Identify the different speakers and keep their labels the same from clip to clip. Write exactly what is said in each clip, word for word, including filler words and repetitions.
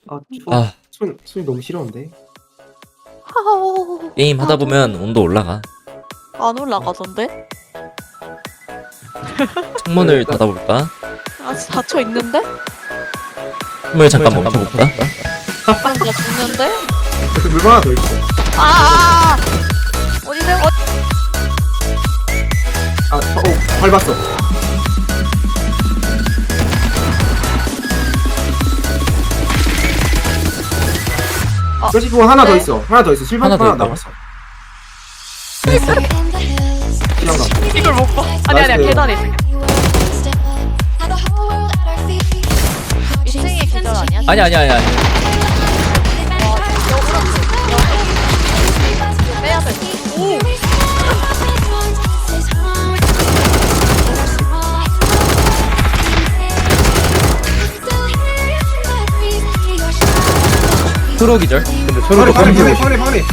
Speaker 1: 아, 추워.
Speaker 2: 아,
Speaker 1: 손, 손이 너무 시려운데.
Speaker 3: 하하오.
Speaker 2: 게임 하다 보면 온도 올라가.
Speaker 3: 안 올라가던데?
Speaker 2: 창문을
Speaker 1: 일단-
Speaker 2: 닫아볼까?
Speaker 3: 아, 닫혀 있는데?
Speaker 2: 창문을 잠깐 멈춰볼까?
Speaker 3: 그럼 나 죽는데?
Speaker 1: 그래서 물건 하나 더 있어.
Speaker 3: 아, 아, 아! 어디서? 어,
Speaker 1: 아, 어, 어, 밟았어.
Speaker 3: 아,
Speaker 1: 그렇지, 그거 하나 더
Speaker 3: 네?
Speaker 1: 있어. 하나 더 있어. 실버
Speaker 2: 하나
Speaker 1: 하나,
Speaker 2: 더
Speaker 1: 하나
Speaker 2: 있다고?
Speaker 1: 남았어. 시간가.
Speaker 3: 이걸 못 봐. 아니, 아니야,
Speaker 1: 나이스.
Speaker 3: 계단에 있어. 이 층에 계단 아니야?
Speaker 2: 아니 아니 아니 아니.
Speaker 3: 빼야 돼. 오!
Speaker 2: 프로 기절.
Speaker 4: 근데
Speaker 1: 파리,
Speaker 4: 서로
Speaker 1: 파리,
Speaker 4: 던지고
Speaker 1: 파리, 파리, 파리.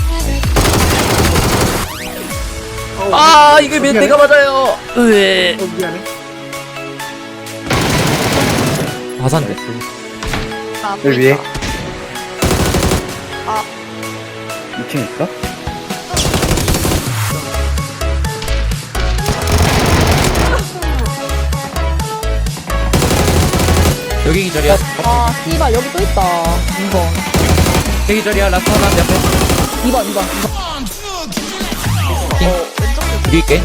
Speaker 2: 아 이게 왜 내가 맞아요? 으에.
Speaker 1: 어, 미안해.
Speaker 2: 화산데.
Speaker 3: 아,
Speaker 4: 여기 위에
Speaker 3: 아.
Speaker 4: 이 층 있어?
Speaker 2: 여기 기절이야.
Speaker 5: 아, 씨발 여기 또 있다. 이 번.
Speaker 2: 여기 기절이야. 라스트 하나 내 앞에.
Speaker 5: 이 번, 이 번.
Speaker 2: 여기 있게.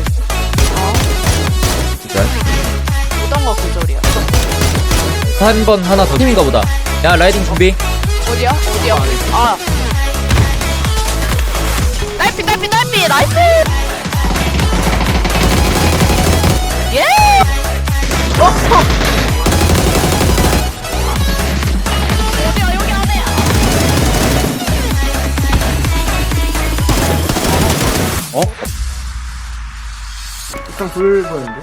Speaker 2: 기절.
Speaker 3: 어떤 거 구절이야?
Speaker 2: 한 번 하나 더 팀인가 보다. 야 라이딩 준비.
Speaker 3: 어디야? 어디야? 아. 딸피, 딸피, 딸피! 나이스! 예! 어! 어디야, 여기 안에!
Speaker 4: 어?
Speaker 1: 일단 불 보였는데.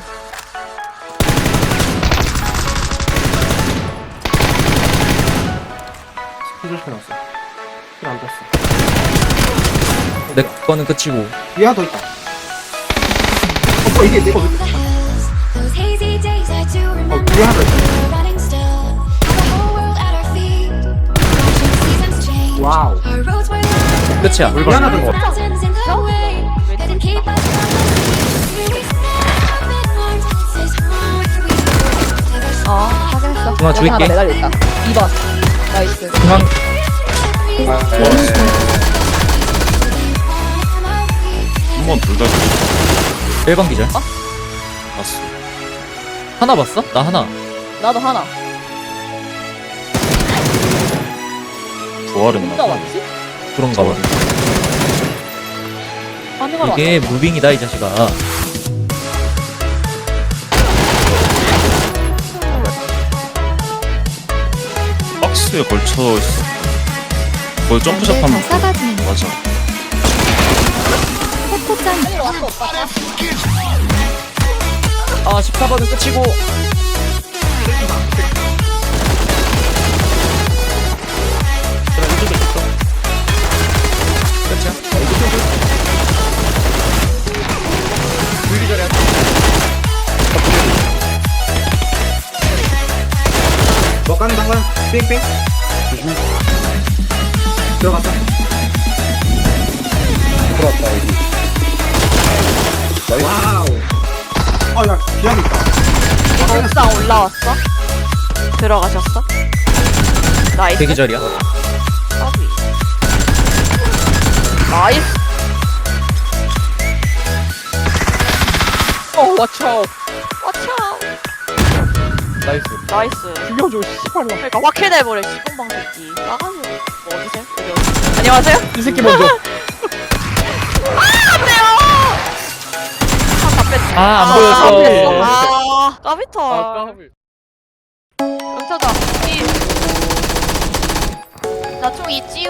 Speaker 1: 스피드 켜놨어. 킬안 떴어.
Speaker 2: 내 거는 끝이고.
Speaker 1: 위에 하나 더 있다. 어, 뭐 이게 내거 왜? 어, 위에 하나 더 있다. 와우.
Speaker 2: 끝이야.
Speaker 1: 위에 하나 더 있어.
Speaker 5: 어, 확인했어.
Speaker 2: 중앙
Speaker 5: 여기 하나
Speaker 2: 줄게.
Speaker 5: 매달려 있다. 이 번. 나이스.
Speaker 2: 중앙.
Speaker 4: 한번 둘 다
Speaker 2: 일 번 기절.
Speaker 4: 봤어.
Speaker 2: 하나 봤어? 나 하나.
Speaker 5: 나도 하나.
Speaker 4: 부활했나
Speaker 5: 누가
Speaker 4: 봐.
Speaker 5: 왔지?
Speaker 2: 그런가 봐.
Speaker 5: 반응하러
Speaker 2: 이게
Speaker 5: 왔다.
Speaker 2: 무빙이다 이 자식아.
Speaker 4: 박스에 걸쳐 있어. 거기 점프샷 하면
Speaker 6: 싸가지는
Speaker 4: 맞아.
Speaker 6: 포토짱
Speaker 5: 반응으로 왔어, 오빠.
Speaker 2: 아 십사 번은 끝이고.
Speaker 4: 그래 이쪽에 있어.
Speaker 2: 끝이야. 불기절이야.
Speaker 1: 뭐 간다, 간 뺑뺑.
Speaker 4: 조심해.
Speaker 1: 들어갔다.
Speaker 4: 들어왔다 여기. 나이스.
Speaker 1: 와우. 아, 야, 기합 있다.
Speaker 3: 옥상 올라왔어? 들어가셨어? 나이스.
Speaker 2: 대기절이야.
Speaker 3: 까비. 나이스.
Speaker 5: 어, watch out.
Speaker 3: 와차.
Speaker 2: 나이스.
Speaker 3: 나이스.
Speaker 5: 죽여줘, 씨발로.
Speaker 3: 그러니까 확 해내버려 시공방 새끼. 나가지고 뭐 어디세요? 여기 어디? 안녕하세요?
Speaker 5: 이 새끼 먼저.
Speaker 3: 아 안돼요. 아다 뺐지.
Speaker 2: 아, 안
Speaker 3: 아,
Speaker 2: 보였어.
Speaker 3: 뺐어. 아 까비터.
Speaker 5: 까비.
Speaker 3: 영차다. 나총 있지요.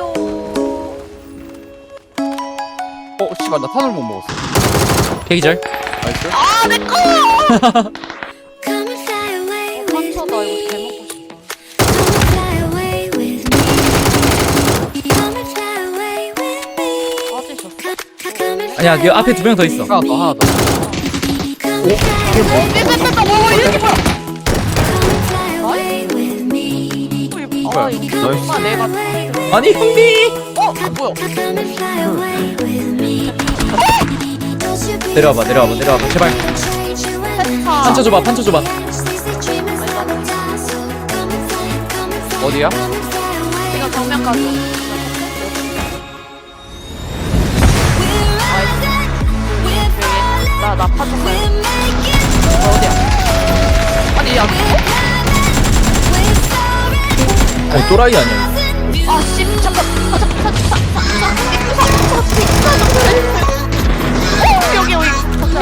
Speaker 5: 어, 씨발, 나 탄을 못 먹었어.
Speaker 2: 대기절.
Speaker 5: 나이스.
Speaker 3: 아 내꺼.
Speaker 6: Come and fly away with
Speaker 3: 상처다
Speaker 6: me.
Speaker 3: 이거 개 먹고 싶다.
Speaker 6: Come and fly away with me. Come and fly away with me.
Speaker 3: 빠지셨어?
Speaker 6: Come, come and
Speaker 2: 아니야,
Speaker 6: fly
Speaker 2: 네 앞에 두 명 더 있어.
Speaker 5: 하나 더, 하나 더.
Speaker 6: Come and fly away,
Speaker 3: 뺐다 뺐다 뭐 이게 뭐야?
Speaker 6: come and fly away with me.
Speaker 3: 어, 아, 이 정말 내가
Speaker 2: 아니 형님
Speaker 3: 어? 뭐야?
Speaker 6: Come and fly away with me. Don't you be
Speaker 2: 내려와봐 내려와봐 내려와봐 제발
Speaker 6: afraid you and
Speaker 3: 차.
Speaker 2: 판쳐 줘봐 판쳐 줘봐
Speaker 6: Seize the dream and fly. So come and fly, come and fly,
Speaker 5: 어디야?
Speaker 6: come and fly away.
Speaker 3: 지금 정면까지. 나, 나 파종 가야 어, 어디야? 아니, 야,
Speaker 2: 어 또라이 아니야
Speaker 3: 아, 씨, 잠깐. 아, 잠깐, 잠깐, 잠깐, 잠깐, 여기, 여기. 잠깐.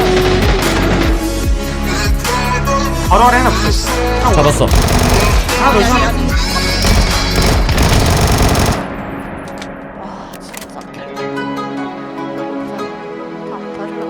Speaker 1: 바로 아래 하나 붙었어.
Speaker 2: 잡았어
Speaker 1: 하나 더 있어.
Speaker 3: 아, 진짜. 다, 다리랑.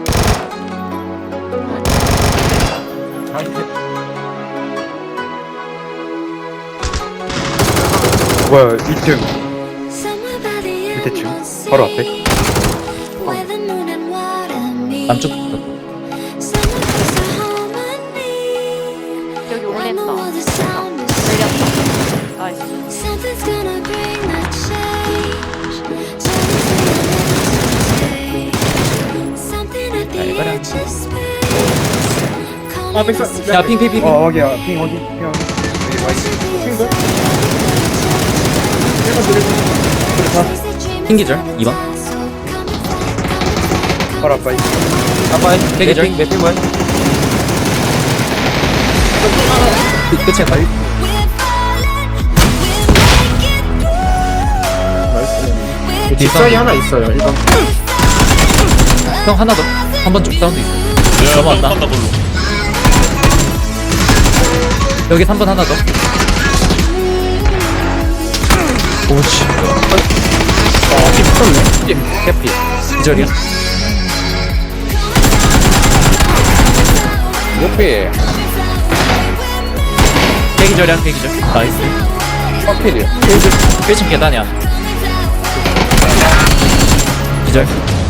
Speaker 1: 뭐야 이 층
Speaker 6: Somewhere by the end
Speaker 1: 밑에 층
Speaker 6: of the
Speaker 1: 바로 앞에.
Speaker 6: sea, where the moon and water meet.
Speaker 2: 남쪽부터
Speaker 6: Summer is a harmony.
Speaker 3: 여기
Speaker 6: When the
Speaker 3: 올린다.
Speaker 6: world is sound asleep.
Speaker 3: 내렸다. 나이스.
Speaker 6: Something's gonna bring that change. Something at the
Speaker 2: 이거랑.
Speaker 6: edge of space.
Speaker 1: 아 백사.
Speaker 2: 야 핑핑핑
Speaker 1: 어 여기야 핑 어디 핑 어디. 핑도.
Speaker 2: 핑기절 이 번
Speaker 1: 바로 앞에.
Speaker 2: 아빠 대기절
Speaker 5: 맵핑 뭐야?
Speaker 2: 그, 끝이야 빨리
Speaker 1: 나이스. 뒷사이 하나 있어요. 일 번.
Speaker 2: 형 하나 더 한 번 쭉 사운드 있어
Speaker 4: 야
Speaker 2: 넘어왔다.
Speaker 4: 한다 걸로.
Speaker 2: 여기 삼 번 하나 더 오씨
Speaker 1: 아 붙었네.
Speaker 2: 해피 기절이야
Speaker 5: 목피.
Speaker 2: 대기절이야 대기절 나이스
Speaker 5: 커필이야.
Speaker 2: 일 층 계단이야 기절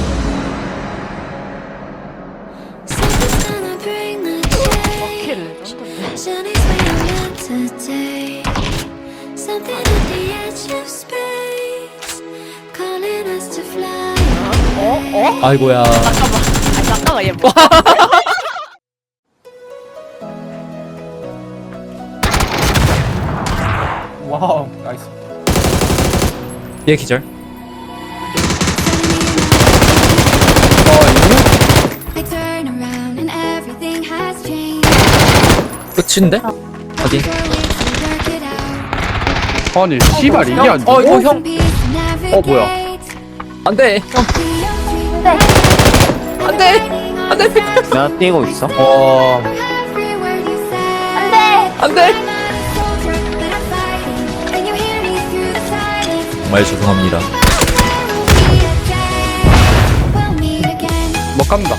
Speaker 6: Something's gonna bring that change.
Speaker 3: 킬.
Speaker 6: Shawnee's where I'm meant to take. Something at the edge of space, calling us to fly.
Speaker 3: 어? 어?
Speaker 2: 아이고야
Speaker 3: 잠깐만. 아니, 잠깐만, 얘 뭐.
Speaker 5: 와우 나이스.
Speaker 2: 얘 기절
Speaker 6: I turn around and everything has changed.
Speaker 2: 끝인데? 어디?
Speaker 6: Work it out.
Speaker 5: 아니 씨발 이게 안
Speaker 2: 어 이거
Speaker 5: 돼.
Speaker 2: 형
Speaker 6: 어
Speaker 5: 뭐야?
Speaker 2: 안돼 형 안돼 안돼
Speaker 5: 나 뛰고 있어.
Speaker 2: 어 안돼 정말 죄송합니다
Speaker 5: 못 간다.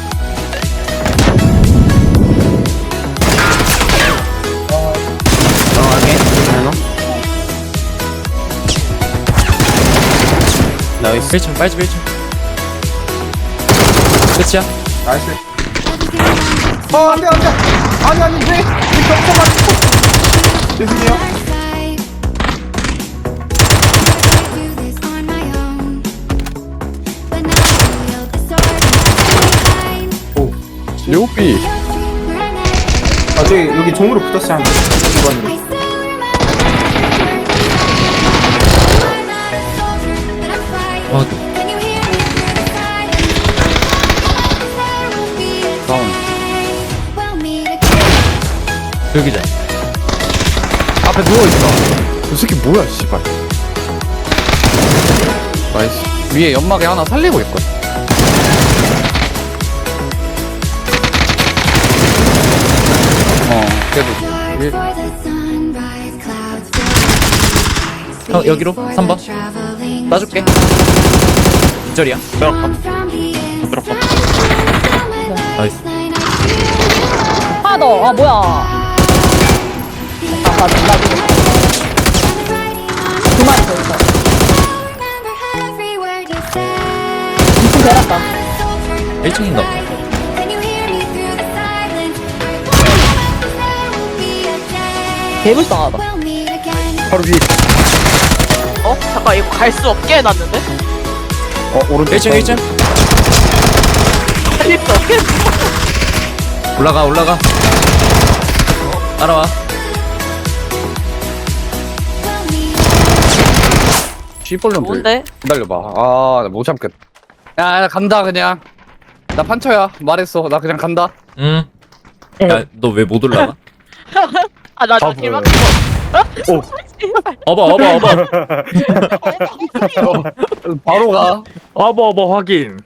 Speaker 2: 나이스 일 층 빨집 일 층 끝이야?
Speaker 1: 나이스. 어 안돼 안돼. 아니 아니 왜? 왜 겹쳐가? 죄송해요.
Speaker 5: 료비.
Speaker 1: 아 저기 여기 종으로 붙었어 한 번. 이번으로.
Speaker 2: 어
Speaker 5: 다운.
Speaker 2: 여기자
Speaker 5: 앞에 누워있어. 이 새끼 뭐야 씨발. 나이스. 위에 연막에 하나 살리고 있거든. 어 그래도 위에
Speaker 2: 형 여기로 삼 번 놔줄게 기절이야
Speaker 4: 들어가.
Speaker 2: 나이스
Speaker 3: 하나 더. 아, 뭐야. 아, 나, 나, 두 마리 더 있어. 이 층 내렸다.
Speaker 2: 일 층인가
Speaker 3: 개불쌍하다.
Speaker 1: 바로 위에.
Speaker 3: 어? 잠깐 이거 갈 수 없게 해놨는데?
Speaker 5: 어 오른쪽
Speaker 2: 일 층 일 층
Speaker 3: 살릴 수 없게 했어.
Speaker 2: 올라가 올라가 따라와
Speaker 5: 씨벌놈들
Speaker 3: 뭔데?
Speaker 5: 기다려봐 아나 못 참겠 야, 야 간다 그냥 나 판처야 말했어 나 그냥 간다
Speaker 2: 응야너 왜 못 올라가?
Speaker 3: 아나
Speaker 5: 바보야.
Speaker 3: 길 막힌 거.
Speaker 5: 오.
Speaker 2: 어봐 어봐 어봐
Speaker 5: 바로 가
Speaker 7: 어버 어버 확인.